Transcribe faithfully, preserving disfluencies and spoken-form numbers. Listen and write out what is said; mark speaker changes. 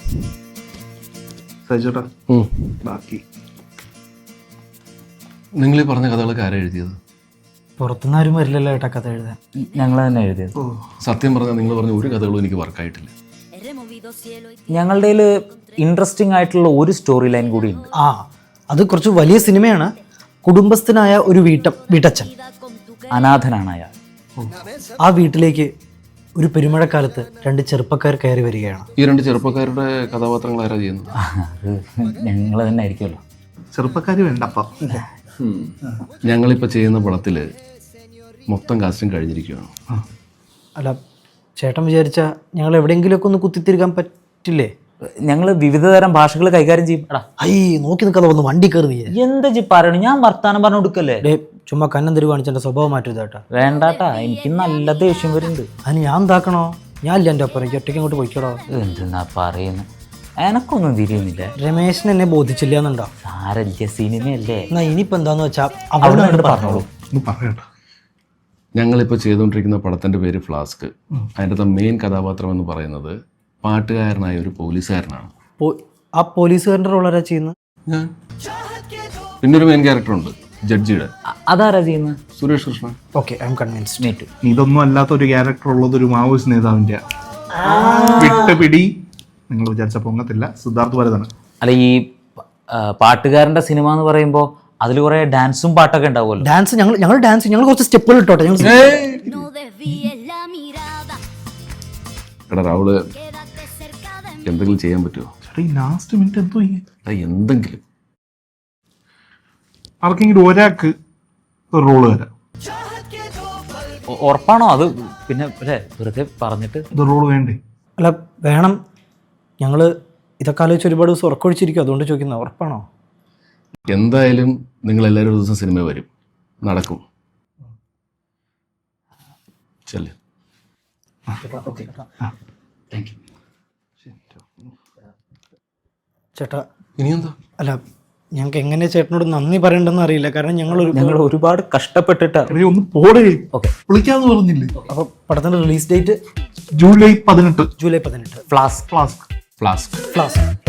Speaker 1: സജിച്ചേട്ടാ ബാക്കി
Speaker 2: നിങ്ങൾ ഈ പറഞ്ഞ കഥകളൊക്കെ ആരാ എഴുതിയത്?
Speaker 3: പുറത്തുനിന്ന് ആരും വരില്ലല്ലോ ഏട്ടാ കഥ എഴുതാൻ.
Speaker 4: ഞങ്ങൾ തന്നെ എഴുതിയത്.
Speaker 2: സത്യം പറഞ്ഞാൽ നിങ്ങൾ പറഞ്ഞ ഒരു കഥകളും എനിക്ക് വർക്കായിട്ടില്ല.
Speaker 4: ഞങ്ങളുടെ ഇൻട്രസ്റ്റിംഗ് ആയിട്ടുള്ള ഒരു സ്റ്റോറി ലൈൻ കൂടി ഉണ്ട്.
Speaker 3: ആ അത് കുറച്ച് വലിയ സിനിമയാണ്. കുടുംബസ്ഥനായ ഒരു വീട്ട വീട്ടച്ഛൻ,
Speaker 4: അനാഥനാണ് അയാൾ.
Speaker 3: ആ വീട്ടിലേക്ക് ഒരു പെരുമഴക്കാലത്ത് രണ്ട് ചെറുപ്പക്കാർ കയറി വരികയാണ്.
Speaker 2: ഈ രണ്ട് ചെറുപ്പക്കാരുടെ കഥാപാത്രങ്ങൾ ആരാ ചെയ്യുന്നത്?
Speaker 4: അത് ഞങ്ങൾ തന്നെ ആയിരിക്കുമല്ലോ.
Speaker 1: ചെറുപ്പക്കാർ വേണ്ടപ്പ.
Speaker 2: ഞങ്ങളിപ്പോൾ ചെയ്യുന്ന പടത്തിൽ മൊത്തം കാസ്റ്റിംഗ് കഴിഞ്ഞിരിക്കുകയാണ്.
Speaker 3: അല്ല ചേട്ടൻ വിചാരിച്ച ഞങ്ങൾ എവിടെയെങ്കിലുമൊക്കെ ഒന്ന് കുത്തിത്തിരിക്കാൻ പറ്റില്ലേ?
Speaker 4: ഞങ്ങൾ വിവിധ തരം ഭാഷകൾ കൈകാര്യം ചെയ്യും. എടാ
Speaker 3: ഐ നോക്കി നിൽക്കാതെ വന്ന് വണ്ടി കയറി നീ.
Speaker 4: എന്താ ജി പറയണു? ഞാൻ വർത്താനം പറഞ്ഞു കൊടുക്കല്ലേ?
Speaker 3: ഡേ ചുമ്മാ കന്നം തരു കാണിച്ചെൻ്റെ സ്വഭാവം മാറ്റും ചേട്ടാ.
Speaker 4: വേണ്ടാട്ടാ, എനിക്ക് നല്ല ദേഷ്യം വരുന്നുണ്ട്.
Speaker 3: അതിന് ഞാൻ എന്താക്കണോ? ഞാൻ ഇല്ല എൻ്റെ ഒപ്പം, എനിക്ക് ഒറ്റയ്ക്ക് അങ്ങോട്ട് പോയിക്കോടോ.
Speaker 4: എന്തെന്നാ പറയുന്നത്? എനക്കൊന്നും തിരിയുന്നില്ല.
Speaker 3: രമേശിന് എന്നെ ബോധിച്ചില്ല എന്നുണ്ടോ?
Speaker 4: സാരല്ല, സിനിമയല്ലേ.
Speaker 3: എന്നാ ഇനിയിപ്പോൾ എന്താന്ന് വെച്ചാ
Speaker 4: അവിടെ നിന്ന് പറഞ്ഞോളൂ.
Speaker 1: ഒന്ന് പറയണ്ട.
Speaker 2: ഞങ്ങളിപ്പോൾ ചെയ്തുകൊണ്ടിരിക്കുന്ന പടത്തിൻ്റെ പേര് ഫ്ലാസ്ക്. അതിൻ്റെ മെയിൻ കഥാപാത്രം എന്ന് പറയുന്നത് പാട്ടുകാരനായ ഒരു പോലീസുകാരനാണ്.
Speaker 3: ആ പോലീസുകാരൻ്റെ റോൾ ആരാ ചെയ്യുന്നത്?
Speaker 2: ഞാൻ. പിന്നെ ഒരു മെയിൻ ക്യാരക്ടറുണ്ട് ജഡ്ജിയുടെ.
Speaker 4: അതാരാ ചെയ്യുന്നത്?
Speaker 2: Suresh Krishna.
Speaker 3: Okay I am convinced.
Speaker 4: Me too.
Speaker 1: ഇതൊന്നും അല്ലാത്ത ഒരു ക്യാരക്ടർ ഉള്ളത് ഒരു മാവോയിസ്റ്റ് നേതാവിന്റെ വിട്ടുപിടി. നിങ്ങൾ വിചാരിച്ച പൊങ്ങത്തില്ല. സിദ്ധാർത്ഥ് ഭരതന്.
Speaker 4: അല്ല, ഈ പാട്ടുകാരന്റെ സിനിമ എന്ന് പറയുമ്പോൾ അതിൽ കുറെ ഡാൻസും പാട്ടൊക്കെ ഉണ്ടാവുമല്ലോ.
Speaker 3: ഡാൻസ് ഞങ്ങൾ ഞങ്ങൾ ഡാൻസ് ഞങ്ങൾ കുറച്ച് സ്റ്റെപ്പുകൾ ഇട്ടോട്ടെ. ഞങ്ങൾ
Speaker 2: എടാ രാഹുല്, എന്തെങ്കിലും ചെയ്യാൻ പറ്റുമോ?
Speaker 1: ചേട്ടാ ഈ ലാസ്റ്റ് മിനിറ്റ് എന്തോ
Speaker 2: എടാ എന്തെങ്കിലും.
Speaker 1: ആർക്കെങ്കിലും ഒരാൾക്ക് ഒരു റോള് തരാം.
Speaker 4: ഉറപ്പാണോ? അത് പിന്നെ വെറുതെ പറഞ്ഞിട്ട്
Speaker 1: ഇത് റോള് വേണ്ടേ?
Speaker 3: അല്ല വേണം. ഞങ്ങൾ ഇതൊക്കെ ആലോചിച്ച് ഒരുപാട് ദിവസം ഉറക്കൊഴിച്ചിരിക്കും, അതുകൊണ്ട് ചോദിക്കുന്നത്. ഉറപ്പാണോ?
Speaker 2: എന്തായാലും നിങ്ങൾ എല്ലാവരും ഒരു ദിവസം സിനിമ വരും, നടക്കും. ചെല്ല്.
Speaker 3: ചേട്ടാ
Speaker 2: ഇനിയെന്താ?
Speaker 3: അല്ല ഞങ്ങൾക്ക് എങ്ങനെ ചേട്ടനോട് നന്ദി പറയണ്ടെന്ന് അറിയില്ല. കാരണം ഞങ്ങൾ ഒരു
Speaker 4: ഞങ്ങൾ ഒരുപാട് കഷ്ടപ്പെട്ടിട്ട്.
Speaker 1: ഒന്ന് പോടേ.
Speaker 4: ഓക്കെ,
Speaker 1: വിളിക്കാന്ന് പറഞ്ഞില്ലേ?
Speaker 3: അപ്പോൾ പടത്തിൻ്റെ റിലീസ് ഡേറ്റ്
Speaker 1: ജൂലൈ പതിനെട്ട്.
Speaker 3: ജൂലൈ പതിനെട്ട്.
Speaker 4: ഫ്ലാസ്ക്.
Speaker 1: ഫ്ലാസ്ക്.
Speaker 2: ഫ്ലാസ്ക്.
Speaker 3: ഫ്ലാസ്ക്.